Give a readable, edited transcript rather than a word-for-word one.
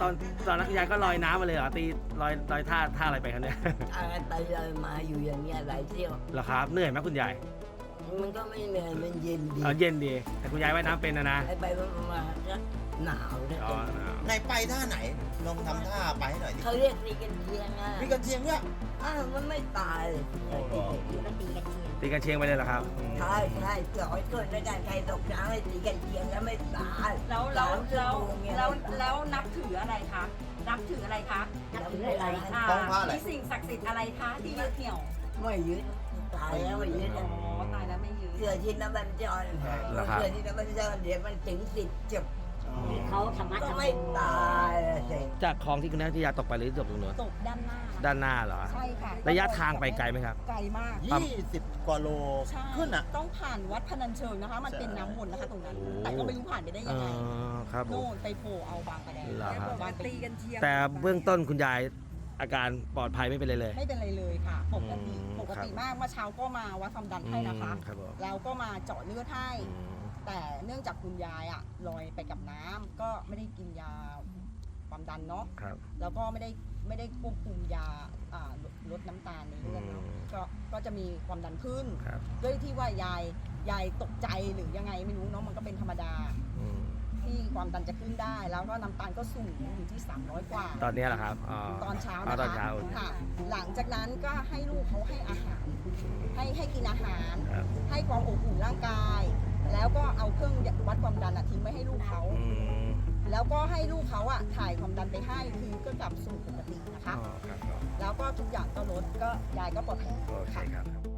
ตอนนั้นคุณยายก็ลอยน้ำมาเลยเหรอตีลอยท่าอะไรไปครับเนี่ยไปเลยมาอยู่อย่างเงี้ยหลายเที่ยวเหรอครับเหนื่อยไหมคุณยายมันก็ไม่เหนื่อยมันเย็นดีเย็นดีแต่คุณยายว่ายน้ำเป็นนะไปมาก็หนาวเลยอ๋อไหนไปท่าไหนลองทำท่าไปให้หน่อยดิเขาเรียกตีกันเชียงอ่ะมีกระเทียมเนี่ยมันไม่ตายเลยโอ้โหตีกันเชียงไปเลยเหรอครับใช่จอยเกิดในการใครตกน้ำให้ตีกันเชียงแล้วไม่ตายแล้วนับถืออะไรคะนับถืออะไรคะนับถืออะไรต้องผ้าอะไรมีสิ่งศักดิ์สิทธิ์อะไรคะที่ยึดเหนี่ยวไม่ยึดตายแล้วไม่ยึดอ๋อตายแล้วไม่ยึดเกิดที่น้ำมันจอยเกิดที่น้ำมันจอยเดี๋ยวมันถึง10จบเขาธรรมะก็ธรรมไม่ตายสิจากคลองที่คุณนัทยาตกไปหรือตกตรงนู้นตกด้านหน้าด้านหน้าเหรอใช่ค่ะระยะทางไปไกลไหมครับไกลมาก 20 กว่าโลใช่ขึ้นอ่ะต้องผ่านวัดพนัญเชิงนะคะ มันเป็นน้ำวนนะคะตรงนั้นโอ้แต่ก็ไม่รู้ผ่านไปได้ยังไงครับผมโน่นไปโผล่เอาบางประแดงเหรอครับบางตีกันเชียงแต่เบื้องต้นคุณยายอาการปลอดภัยไม่เป็นไรเลยไม่เป็นไรเลยค่ะ ปกติอืมปกติมากเมื่อเช้าก็มาวัดความดันให้นะคะครับผมแล้วก็มาเจาะเลือดให้อืมแต่เนื่องจากคุณยายอะลอยไปกับน้ำก็ไม่ได้กินยาความดันเนาะครับแล้วก็ไม่ได้ควบคุมยาลดน้ำตาลในเลือดเนาะอืมก็จะมีความดันขึ้นครับด้วยที่ว่ายายตกใจหรือยังไงไม่รู้เนาะมันก็เป็นธรรมดาอืมที่ความดันจะขึ้นได้ แล้วก็น้ำตาลก็สูงอยู่ที่300 กว่าตอนนี้แหละครับตอนเช้าตนะอนคะเช้าค่ะ หลังจากนั้นก็ให้ลูกเขาให้อาหาร ให้กินอาหารครับให้ความอบอุ่นร่างกาย แล้วก็เอาเครื่องวัดความดันทิ้งไว้ให้ลูกเขาอืมแล้วก็ให้ลูกเขาถ่ายความดันไปให้คือก็กลับสู่ปกตินะคะอ๋อครับแล้วก็ทุกอย่างก็ลดก็ยายก็ปลอดภัยโอเคค่ะครับ